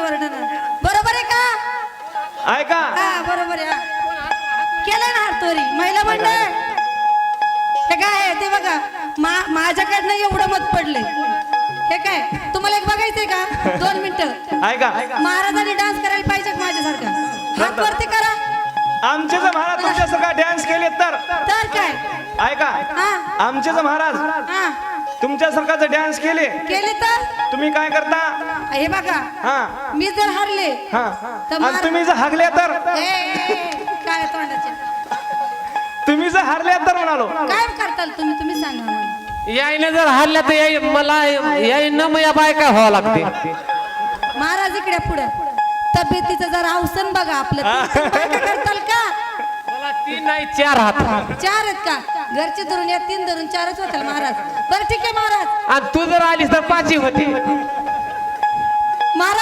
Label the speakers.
Speaker 1: ओरडणार बरोबर आहे का
Speaker 2: ऐका
Speaker 1: हा बरोबर आहे केलं ना हातोरी महिला मंडळ हे काय आहे ते बघा माझ्याकडनं एवढं मत पडले हे काय तुम्हाला एक बघायचंय का 2 मिनिटं
Speaker 2: ऐका
Speaker 1: महाराजांनी डान्स करायला पाहिजे का माझ्यासारखा हात वरती करा
Speaker 2: आमचे जर महाराज तुमच्यासारखा डान्स केले तर
Speaker 1: काय
Speaker 2: ऐका
Speaker 1: हा
Speaker 2: आमचे जर महाराज
Speaker 1: हा
Speaker 2: तुमच्यासारखा जर डान्स केले
Speaker 1: तर
Speaker 2: तुम्ही काय करता
Speaker 1: हे बघा
Speaker 2: हा
Speaker 1: मी जर हरले
Speaker 2: हा
Speaker 1: तर
Speaker 2: आणि तुम्ही जर हागले तर
Speaker 1: काय तोंडाचे
Speaker 2: तुम्ही जर हारले तर म्हणालो
Speaker 1: काय करताल तुम्ही सांगा मला
Speaker 3: याईने जर हल्ल्या तर मला याईनं मग या बायका व्हावं लागते
Speaker 1: महाराज इकडे पुढे तब्येतीचं जरा अवसन बघा आपलं बायका करताल का
Speaker 3: मला 3 नाही 4 हात
Speaker 1: 4 आहेत का घरचे धरून या 3 धरून 4च होतील महाराज बरं ठीक आहे महाराज
Speaker 3: आणि तू जर आलीस तर 5 होती